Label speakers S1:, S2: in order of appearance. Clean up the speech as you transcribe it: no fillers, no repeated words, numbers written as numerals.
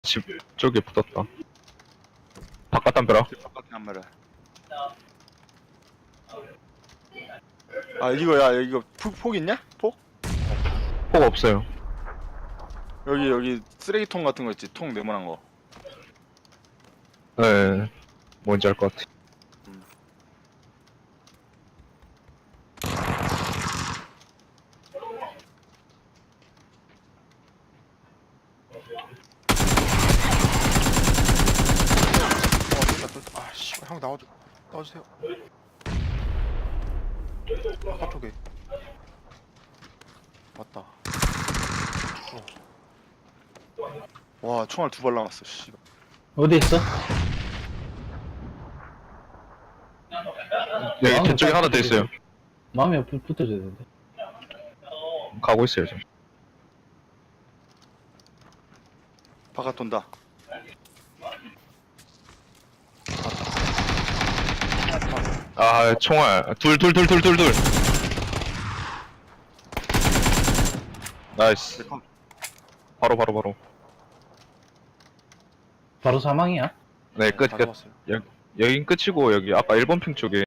S1: 집 쪽에 붙었다. 바깥 담벼락.
S2: 바깥에 한 마리. 아 이거야 이거 폭 있냐? 폭?
S1: 폭 없어요.
S2: 여기 쓰레기통 같은 거 있지? 통 네모난 거.
S1: 네, 뭔지 알 것 같아.
S3: 아, 씨발, 형 나와주세요. 바깥쪽에. 맞다.
S2: 와 총알 2발 남았어. 씨.
S4: 어디 있어?
S1: 여기 뒤쪽에 하나 더 있어요.
S4: 마음이 옆에 붙어줘야 되는데.
S1: 가고 있어요, 지금.
S2: 바깥 돈다.
S1: 아, 총알. 둘. 나이스. 바로.
S4: 바로 사망이야?
S1: 네, 끝.
S3: 다 잡았어요.
S1: 여긴 끝이고, 여기 아까 1번 핑 쪽에